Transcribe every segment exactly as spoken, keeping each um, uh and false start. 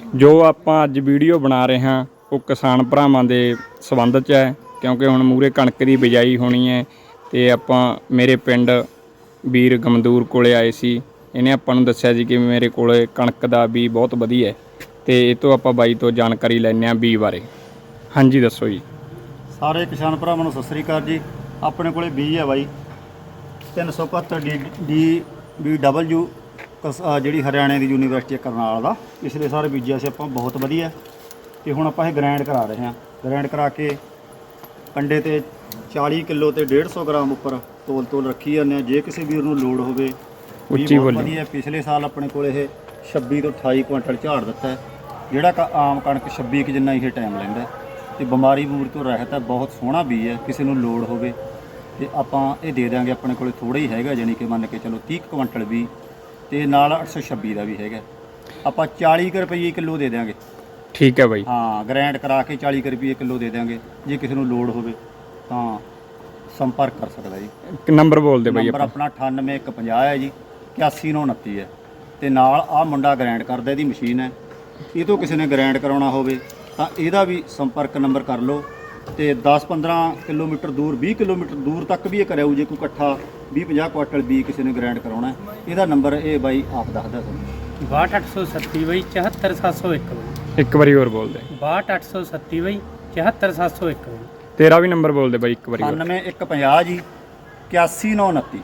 ਜੋ ਆਪਾਂ ਅੱਜ ਵੀਡੀਓ ਬਣਾ ਰਹੇ ਹਾਂ ਉਹ ਕਿਸਾਨ ਭਰਾਵਾਂ ਦੇ ਸੰਬੰਧ 'ਚ ਹੈ, ਕਿਉਂਕਿ ਹੁਣ ਮੂਹਰੇ ਕਣਕ ਦੀ ਬਿਜਾਈ ਹੋਣੀ ਹੈ ਤੇ ਆਪਾਂ ਮੇਰੇ ਪਿੰਡ ਵੀਰ ਗਮਦੂਰ ਕੋਲੇ ਆਏ ਸੀ। ਇਹਨੇ ਆਪਾਂ ਨੂੰ ਦੱਸਿਆ ਜੀ ਕਿ ਮੇਰੇ ਕੋਲੇ ਕਣਕ ਦਾ ਬੀਜ ਬਹੁਤ ਵਧੀਆ ਹੈ ਤੇ ਇਹ ਤੋਂ ਆਪਾਂ ਬਾਈ ਤੋਂ ਜਾਣਕਾਰੀ ਲੈਂਦੇ ਹਾਂ ਬੀਜ ਬਾਰੇ। ਹਾਂਜੀ ਦੱਸੋ ਜੀ। ਸਾਰੇ ਕਿਸਾਨ ਭਰਾਵਾਂ ਨੂੰ ਸਤਿ ਸ੍ਰੀ ਅਕਾਲ ਜੀ। ਆਪਣੇ ਕੋਲੇ ਬੀਜ ਹੈ ਬਾਈ ਤਿੰਨ ਸੌ ਇਕਹੱਤਰ ਡੀ ਡੀ ਬੀ ਡਬਲਯੂ ਜਿਹੜੀ ਹਰਿਆਣੇ ਦੀ ਯੂਨੀਵਰਸਿਟੀ ਕਰਨਾਲ ਦਾ। ਪਿਛਲੇ ਸਾਰੇ ਬੀਜਿਆ ਸੀ ਆਪਾਂ, ਬਹੁਤ ਵਧੀਆ। ਤੇ ਹੁਣ ਆਪਾਂ ਇਹ ਗ੍ਰਾਈਂਡ ਕਰਾ ਰਹੇ ਹਾਂ। ਗ੍ਰਾਈਂਡ ਕਰਾ ਕੇ ਕੰਡੇ ਤੇ ਚਾਲੀ ਕਿਲੋ ਤੇ ਡੇਢ ਸੌ ਗ੍ਰਾਮ ਉੱਪਰ ਤੋਲ ਤੋਲ ਰੱਖੀ ਜਾਂਦੇ ਹਾਂ। ਜੇ ਕਿਸੇ ਵੀਰ ਨੂੰ ਲੋੜ ਹੋਵੇ ਉੱਚੀ ਬੋਲੀ। ਵਧੀਆ। ਪਿਛਲੇ ਸਾਲ ਆਪਣੇ ਕੋਲ ਇਹ ਛੱਬੀ ਤੋਂ ਅਠਾਈ ਕੁਇੰਟਲ ਝਾੜ ਦਿੱਤਾ ਹੈ, ਜਿਹੜਾ ਕ ਆਮ ਕਣਕ ਛੱਬੀ ਕੁ ਜਿੰਨਾ ਇਹ ਟਾਈਮ ਲੈਂਦਾ ਤੇ ਬਿਮਾਰੀ ਬੂਰੀ ਤੋਂ ਰਹਿਤ ਹੈ। ਬਹੁਤ ਸੋਹਣਾ ਬੀਜ ਹੈ। ਕਿਸੇ ਨੂੰ ਲੋੜ ਹੋਵੇ ਤੇ ਆਪਾਂ ਇਹ ਦੇ ਦਾਂਗੇ। ਆਪਣੇ ਕੋਲੇ ਥੋੜ੍ਹਾ ਹੀ ਹੈਗਾ, ਜਾਣੀ ਕਿ ਮੰਨ ਕੇ ਚਲੋ ਤੀਹ ਕੁਇੰਟਲ ਵੀ ਤੇ ਨਾਲ ਅੱਠ ਸੌ ਛੱਬੀ ਦਾ ਵੀ ਹੈਗਾ। ਆਪਾਂ ਚਾਲੀ ਕੁ ਰੁਪਏ ਕਿਲੋ ਦੇ ਦਿਆਂਗੇ। ਠੀਕ ਹੈ ਬਾਈ। ਹਾਂ, ਗ੍ਰਾਈਂਡ ਕਰਾ ਕੇ ਚਾਲੀ ਕੁ ਰੁਪਏ ਕਿਲੋ ਦੇ ਦਿਆਂਗੇ। ਜੇ ਕਿਸੇ ਨੂੰ ਲੋੜ ਹੋਵੇ ਤਾਂ ਸੰਪਰਕ ਕਰ ਸਕਦਾ ਜੀ। ਨੰਬਰ ਬੋਲ ਦੇ ਬਾਈ। ਨੰਬਰ ਆਪਣਾ ਅਠਾਨਵੇਂ ਇੱਕ ਪੰਜਾਹ ਹੈ ਜੀ, ਇਕਿਆਸੀ ਨੌ ਉਨੱਤੀ ਹੈ। ਤੇ ਨਾਲ ਆਹ ਮੁੰਡਾ ਗ੍ਰਾਈਂਡ ਕਰਦਾ, ਇਹਦੀ ਮਸ਼ੀਨ ਹੈ। ਇਹ ਤੋਂ ਕਿਸੇ ਨੇ ਗ੍ਰਾਈਂਡ ਕਰਾਉਣਾ ਹੋਵੇ ਤਾਂ ਇਹਦਾ ਵੀ ਸੰਪਰਕ ਨੰਬਰ ਕਰ ਲਓ। ਤੇ ਦਸ ਪੰਦਰਾਂ ਕਿਲੋਮੀਟਰ ਦੂਰ, ਵੀਹ ਕਿਲੋਮੀਟਰ ਦੂਰ ਤੱਕ ਵੀ ਇਹ ਕਰਿਆਊ। ਜੇ ਕੋਈ ਇਕੱਠਾ ਵੀਹ ਪੰਜਾਹ ਕੁਆਟਲ ਵੀ ਕਿਸੇ ਨੇ ਗ੍ਰਾਈਂਡ ਕਰਾਉਣਾ, ਇਹਦਾ ਨੰਬਰ ਇਹ ਬਾਈ ਆਪ ਦੱਸਦਾ ਤੁਹਾਨੂੰ। ਬਾਹਠ ਅੱਠ ਸੌ ਸੱਤੀ ਬਾਈ ਚੁਹੱਤਰ ਸੱਤ ਸੌ ਇੱਕ ਬਾਈ। ਇੱਕ ਵਾਰੀ ਹੋਰ ਬੋਲ ਦੇ। ਬਾਹਠ ਅੱਠ ਸੌ ਸੱਤੀ ਬਾਈ ਚੁਹੱਤਰ ਸੱਤ ਸੌ ਇੱਕ ਬਾਈ। ਤੇਰਾ ਵੀ ਨੰਬਰ ਬੋਲ ਦੇ ਬਾਈ ਇੱਕ ਵਾਰੀ ਹੋਰ। ਅਠਾਨਵੇਂ ਇੱਕ ਪੰਜਾਹ ਜੀ, ਇਕਿਆਸੀ ਨੌ ਉਨੱਤੀ।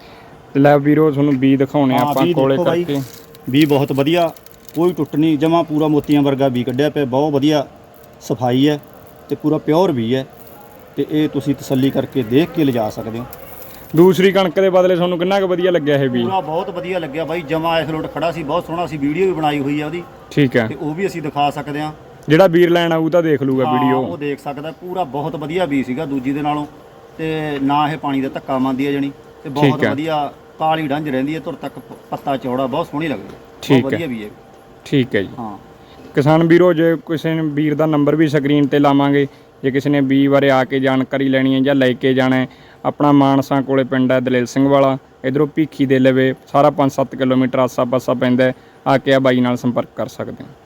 ਲੈ ਵੀਰੋ ਤੁਹਾਨੂੰ ਬੀਜ ਦਿਖਾਉਣੇ ਹਾਂ, ਆਪਾਂ ਬੀਜ ਕੋਲੇ ਦੇਖੋ ਬਾਈ। ਕਰਕੇ। ਬੀਜ ਬਹੁਤ ਵਧੀਆ, ਕੋਈ ਟੁੱਟ ਨਹੀਂ, ਜਮਾ ਪੂਰਾ ਮੋਤੀਆਂ ਵਰਗਾ ਬੀਜ ਕੱਢਿਆ ਪਿਆ। ਬਹੁਤ ਵਧੀਆ ਸਫਾਈ ਹੈ ਤੇ ਪੂਰਾ ਪਿਓਰ ਬੀਜ ਹੈ। ਤੇ ਇਹ ਤੁਸੀਂ ਤਸੱਲੀ ਕਰਕੇ ਦੇਖ ਕੇ ਲਿਜਾ ਸਕਦੇ ਹੋ। ਦੂਸਰੀ ਕਣਕ ਦੇ ਬਦਲੇ ਤੁਹਾਨੂੰ ਕਿੰਨਾ ਕੁ ਵਧੀਆ ਲੱਗਿਆ ਇਹ ਬੀਜ? ਪੂਰਾ ਬਹੁਤ ਵਧੀਆ ਲੱਗਿਆ ਬਾਈ, ਜਮਾ ਇਸ ਲੋਟ ਖੜਾ ਸੀ, ਬਹੁਤ ਸੋਹਣਾ ਸੀ। ਵੀਡੀਓ ਵੀ ਬਣਾਈ ਹੋਈ ਹੈ ਉਹਦੀ, ਠੀਕ ਹੈ। ਤੇ ਉਹ ਵੀ ਅਸੀਂ ਦਿਖਾ ਸਕਦੇ ਹਾਂ। ਜਿਹੜਾ ਵੀਰ ਲੈਣ ਆਊ ਤਾਂ ਦੇਖ ਲੂਗਾ ਹਾਂ, ਵੀਡੀਓ। ਉਹ ਦੇਖ ਸਕਦਾ। ਪੂਰਾ ਬਹੁਤ ਵਧੀਆ ਬੀਜ ਸੀਗਾ ਦੂਜੀ ਦੇ ਨਾਲੋਂ। ਤੇ ਨਾ ਇਹ ਪਾਣੀ ਦਾ ਧੱਕਾ ਮੰਨਦੀ ਹੈ ਜਣੀ, ਤੇ ਬਹੁਤ ਵਧੀਆ ਕਾਲੀ ਡੰਜ ਰਹਿੰਦੀ ਹੈ। ਧੁਰ ਤੱਕ ਪੱਤਾ ਚੌੜਾ, ਬਹੁਤ ਸੋਹਣੀ ਲੱਗਦੀ ਹੈ। ਠੀਕ ਵਧੀਆ ਬੀਜ ਹੈ। ਠੀਕ ਹੈ ਜੀ। ਹਾਂ ਕਿਸਾਨ ਵੀਰੋ, ਜੇ ਕਿਸੇ ਨੇ ਵੀਰ ਦਾ ਨੰਬਰ ਵੀ ਸਕਰੀਨ ਤੇ ਲਾਵਾਂਗੇ। ਜੇ ਕਿਸੇ ਨੇ ਬੀਜ ਬਾਰੇ ਆ ਕੇ ਜਾਣਕਾਰੀ ਲੈਣੀ ਹੈ ਜਾਂ ਲੈ ਕੇ ਜਾਣਾ ਹੈ, ਆਪਣਾ ਮਾਨਸਾ ਕੋਲੇ ਪਿੰਡ ਹੈ ਦਲੇਲ ਸਿੰਘ ਵਾਲਾ, ਇੱਧਰੋਂ ਭੀਖੀ ਦੇ ਲਵੇ ਸਾਰਾ ਪੰਜ ਸੱਤ ਕਿਲੋਮੀਟਰ ਆਸਾ ਪਾਸਾ ਪੈਂਦਾ। ਆ ਕੇ ਆ ਬਾਈ ਨਾਲ ਸੰਪਰਕ ਕਰ ਸਕਦੇ ਹੋ।